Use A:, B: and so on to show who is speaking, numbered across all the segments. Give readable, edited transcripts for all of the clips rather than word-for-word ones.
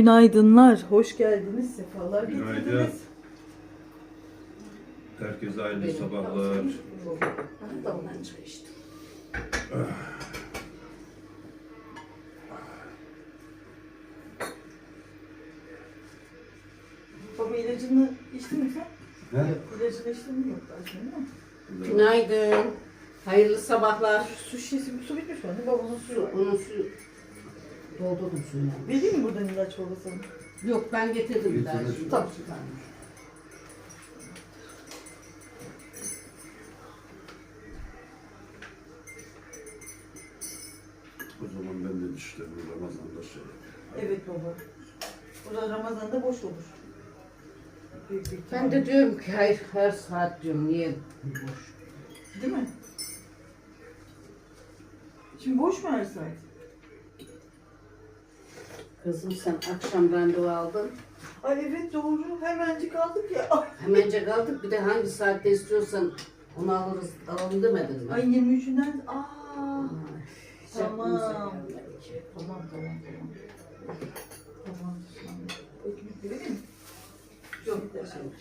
A: Günaydınlar, hoş geldiniz, sefalar
B: Günaydın.
A: getirdiniz.
B: Herkese hayırlı sabahlar.
C: Damdan çay içtim.
A: Baba ilacını içtin mi sen?
B: He?
A: İlacını içtin mi? Yok daha şimdi değil mi?
C: Günaydın. Hayırlı sabahlar.
A: Su şişesi, su bitmiş mi? Babanın suyu var.
C: Onun suyu doldurdum suyunu.
A: Vereyim mi buradan ilaç babasına?
C: Yok ben getirdim bir daha.
B: Getirdin.
A: Tamam.
B: O zaman ben de dişlerimi Ramazan'da şey yapayım.
A: Evet baba. Bu da Ramazan'da boş olur. Büyük bir ihtimalle.
C: Ben de diyorum ki hayır her saat diyorum niye boş.
A: Değil mi? Şimdi boş mu her saat?
C: Kızım sen akşam randevu aldın.
A: Ay evet doğru. Hemencik aldık ya. Ay,
C: Hemencek aldık bir de hangi saatte istiyorsan onu alırız alalım demedin mi?
A: Ay 23'ünden. Aa.
C: Ay,
A: Tamam.
C: Tamam.
A: Tamam. Tamam. Ekmek vereyim mi? Yok da şey.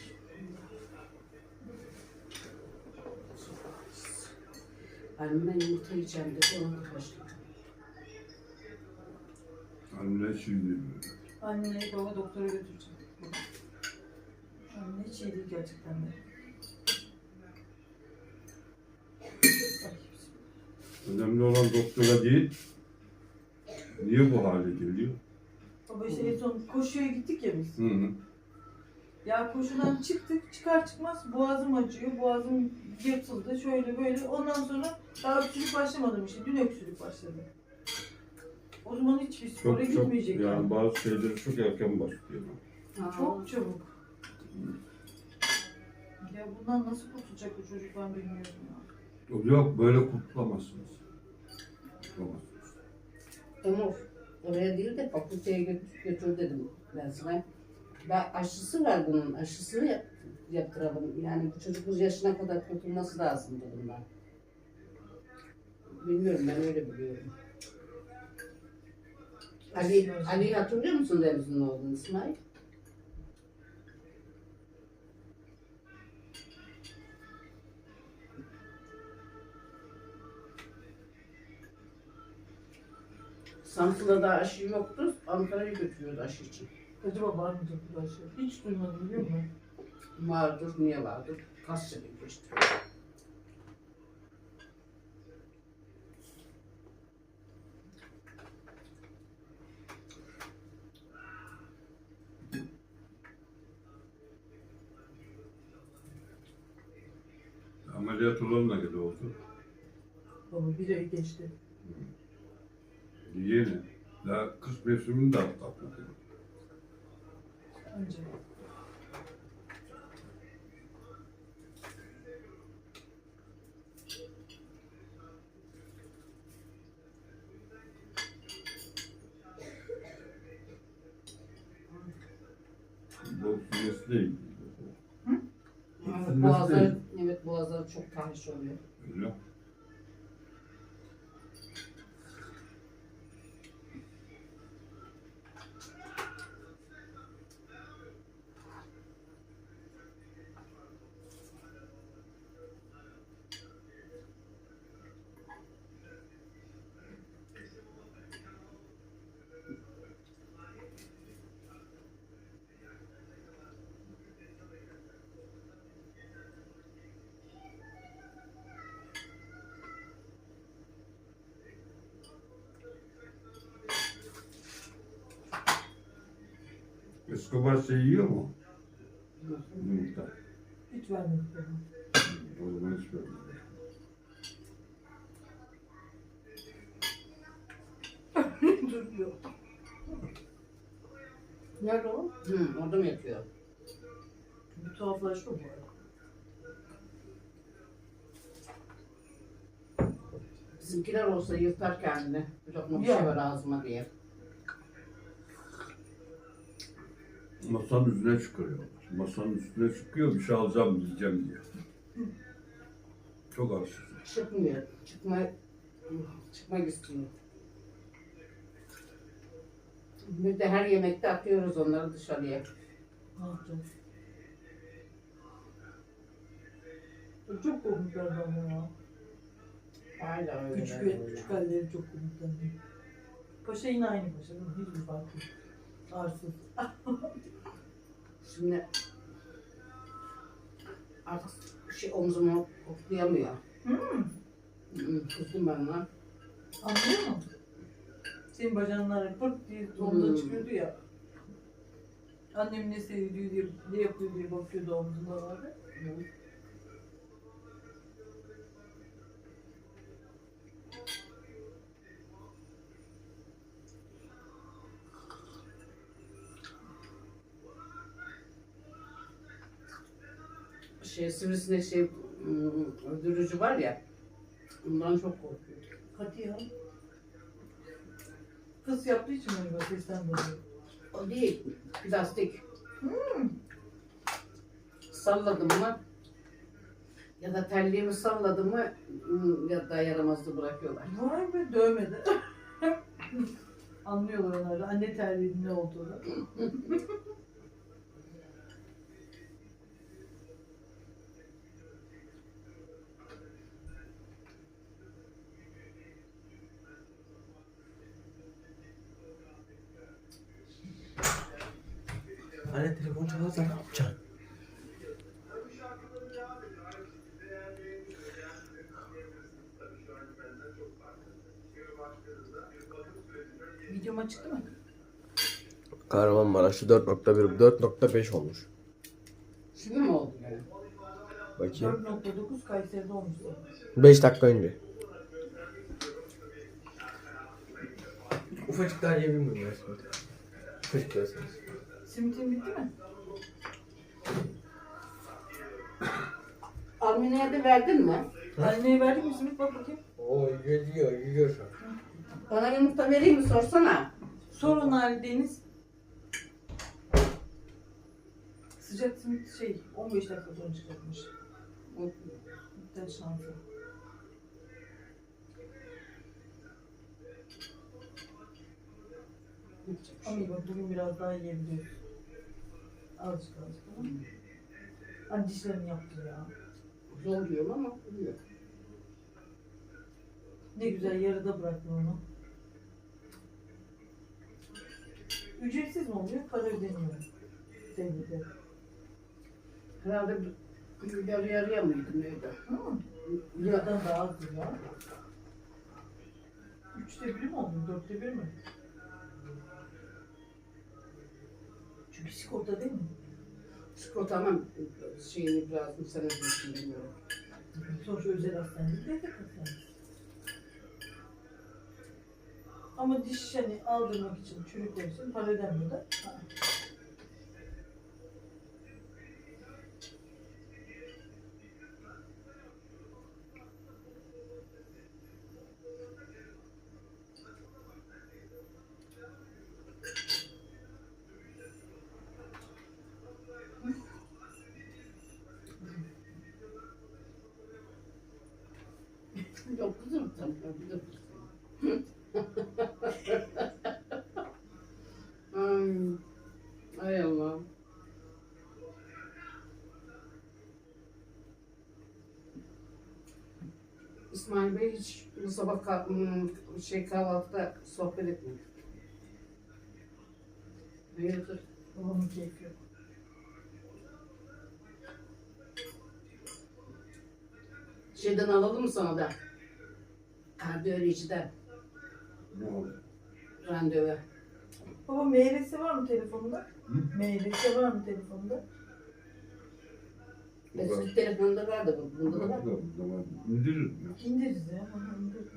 C: Annem ben yumurta yiyeceğim dedi onu başladım.
B: Anne şimdi
A: Anneye baba doktora götüreceğim. Anne hiç iyi değil gerçekten de. Ay,
B: önemli olan doktora değil. Niye bu hale geliyor?
A: baba işte en son koşuya gittik ya biz.
B: Hı hı.
A: Ya koşudan çıktık, çıkar çıkmaz boğazım acıyor, boğazım yırtıldı, şöyle böyle. Ondan sonra daha öksürük başlamadım işte, dün öksürük başladı. O zaman hiçbir spora
B: Çok
A: gitmeyecek
B: yani bazı şeyleri çok erken başlıyor.
A: Çok çabuk. Ya bundan nasıl kurtulacak bu çocuk ben bilmiyorum ya.
B: Yok böyle kurtulamazsınız. Kurtulamazsınız.
C: Umur, oraya değil de fakülteye götür dedim ben sana. Ben aşısı var bunun, aşısını yaptıralım. Yani bu çocuk bu yaşına kadar kurtulması lazım dedim ben. Bilmiyorum, ben öyle biliyorum. Ali hatırlıyor musun Deniz'in oğlunu İsmail? Samsun'da da aşı yoktu, Ankara'ya götürüyordu aşı için.
A: Acaba var mıdır bu aşı? Hiç duymadım biliyor musun?
C: Vardır, niye vardır? Kaç sene geçti.
B: Ameliyat olan ne kadar oldu?
A: Baba bir ay geçti.
B: Yeni. Daha kış mevsimini de atlatmadı.
A: Önce.
B: Bu mesleği.
C: Evet, boğazları çok tahriş oluyor.
B: Öyle. Escobar şey yiyor mu? Yumurta.
A: Hiç vermedik baba.
B: O zaman hiç vermedi.
A: Duruyor.
C: Nerede o? Orada mı yatıyor?
A: Bir tuhaflaştı bu arada.
C: Bizimkiler olsa yırtar kendini. Bir lokma bir şey var ağzıma diye.
B: Masanın üstüne çıkarıyorlar. Masanın üstüne çıkıyor, bir şey alacağım, yiyeceğim diye. Çok arsız.
C: Çıkmıyor. Çıkmak istiyor. Bir de her yemekte atıyoruz onları dışarıya.
A: Ne yapacağız? Çok komikler ama ya.
C: Hala öyle.
A: Küçük halleri çok komikler. Paşa yine aynı paşa. Hiçbir fark yok. Arsız.
C: Şimdi artık omzumu koklayamıyor. Kızdım ben ona.
A: Anlıyor musun? Senin bacağınlar pırt diye omzuna çıkıyordu ya. Annem ne seviyor diye, ne yapıyor diye bakıyordu omzunda vardı.
C: Sivrisinek öldürücü var ya. Ondan çok korkuyorum.
A: Hadi ya. Fıs yaptığı için galiba sesten dolayı.
C: O değil. Plastik. Salladım mı ya da terliğimi salladım mı ya da yaramazdı bırakıyorlar.
A: Vay be, dövmedi. Anlıyorlar onları. Anne terliğinin ne olduğunu.
D: Anne telefon çalarsa ne yapacaksın?
A: Videoma çıktı mı?
D: Kahramanmaraş'ta 4.1, 4.5 olmuş.
C: Şimdi mi oldu yani?
D: Bakayım.
A: 4.9 Kayseri'de olmuştu.
D: 5 dakika önce. Ufacık daha yiyebilir miyim ya simit? Ufacık derseniz.
A: Simitin bitti mi?
C: Almine'ye de verdin mi?
A: Anneye verdik mi simit? Bak bakayım.
D: Oo yiyor şu an.
C: Bana yumurta vereyim mi sorsana.
A: Sor ona Ali Deniz. Sıcak simit 15 dakika sonra çıkartmış. Bir de şansı. Ama iyi bak, bugün biraz daha yiyebiliyoruz. Azıcık tamam mı? Hani dişlerini yaptı ya.
C: Zor diyorum ama oluyor.
A: Ne güzel yarıda bıraktın onu. Ücretsiz mi oluyor? Para ödeniyor. Devlete.
C: Herhalde yarı yarıya mıydı neydi?
A: Hı? Liradan daha azdır ya. 1/3 mi oldu? 1/4 mi? Çünkü sigorta değil mi?
C: Sigorta ama şeyini biraz sen ödüyorsun bilmiyorum.
A: Sonuçta özel hastane değil, devlet hastanesi. Ama diş aldırmak için, çürükler için para ödenmiyor da. Ha.
C: Yok kızım tamam. Ay Allah'ım. İsmail Bey hiç bu sabah kahvaltıda sohbet etmiyor. Hayırdır?
A: Babamın keyfi yok.
C: Şeyden alalım mı sana da? Kardiyolojiden
B: Ne oldu?
C: randevu.
A: Baba MRS var mı telefonunda?
B: Hı?
A: MRS var mı telefonunda?
C: Eski telefonda vardı bu. Bunda da var.
B: O zaman indiririm ya.
A: İndiririz ya. Aha, indiririz.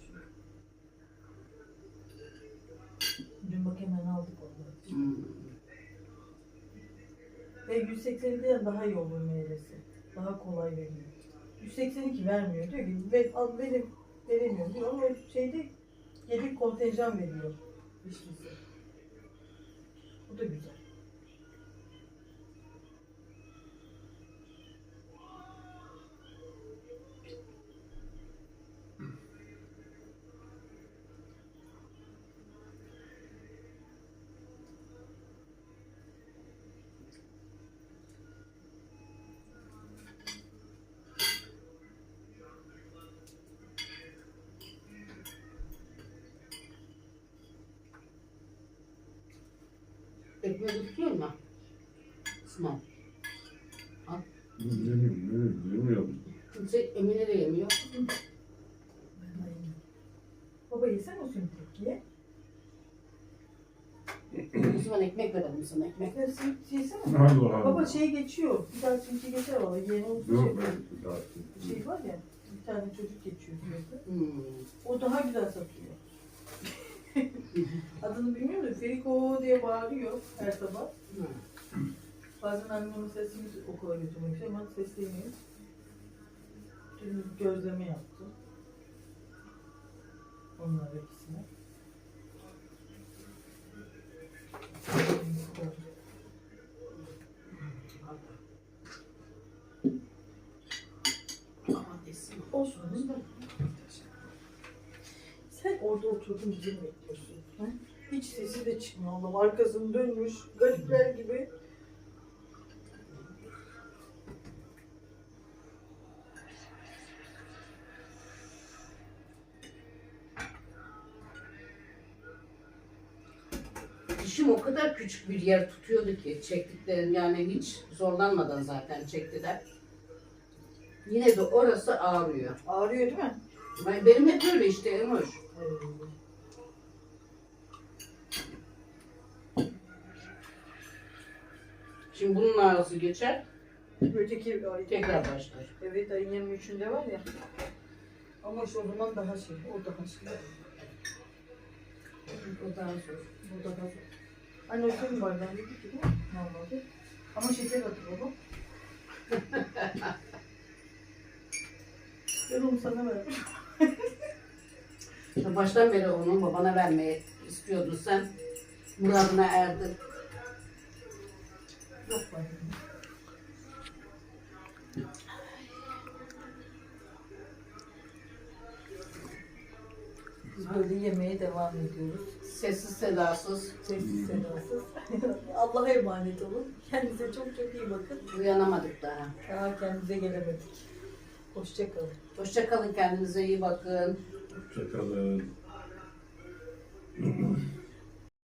A: Dün bak hemen aldık onları. Ve 182'den daha iyi olur MRS'i. Daha kolay veriyor. 182 vermiyor diyor ki veremiyorum diyor ama şeyde yedek kontenjan veriyor. İşlisi. Bu da güzel.
C: Ekmeği tutuyor mu? İsmail.
B: Bilmiyorum.
C: Kimse Emine de yemiyor.
A: Baba yesen o simit ye.
C: O zaman ekmek verelim sana ekmek.
A: Ekmek simit yesene.
B: Allah Allah.
A: Baba şey geçiyor. Bir daha simit geçer valla. Yeni olsun
B: Yok
A: şey.
B: ben daha
A: Şey var ya. Bir tane çocuk geçiyor sürekli.
C: Hmm.
A: O daha güzel satıyor. Adını bilmiyorum da Feriko diye bağırıyor her sabah.
C: Ha.
A: Bazen annemin sesini okula götürmek istiyor ama sesleniyor. Dün gözleme yaptı. Onlar ikisine.
C: Aman desin.
A: Olsun. Sen orada oturdun bizi mi bekliyorsun? Ha? Hiç sesi de çıkmıyor Allah'ım. Arkasını dönmüş. Garipler gibi.
C: Dişim o kadar küçük bir yer tutuyordu ki çektiklerim yani hiç zorlanmadan zaten çektiler. Yine de orası ağrıyor.
A: Ağrıyor değil mi?
C: Benim hep öyle işte Emoş. Şimdi bunun ağrısı geçer,
A: Öteki ay
C: tekrar başlar.
A: Evet ayın 23'ünde var ya. Ama şu o zaman daha şey. O daha şey.
C: O daha zor.
A: Bu daha zor. Anne o senin bardağın dedi ki değil mi? Normalde. Ama şeker atı baba. Ben onu sana verdim.
C: Ya baştan beri onu babana vermeyi istiyordun sen. Muradına erdin.
A: Yok var. Biz böyle yemeye devam ediyoruz.
C: Sessiz sedasız
A: Sessiz sedasız. Allah'a emanet olun. Kendinize çok çok iyi bakın.
C: uyanamadık daha.
A: Daha kendimize gelemedik. Hoşçakalın.
C: Hoşça kalın, kendinize iyi bakın.
B: Hoşçakalın.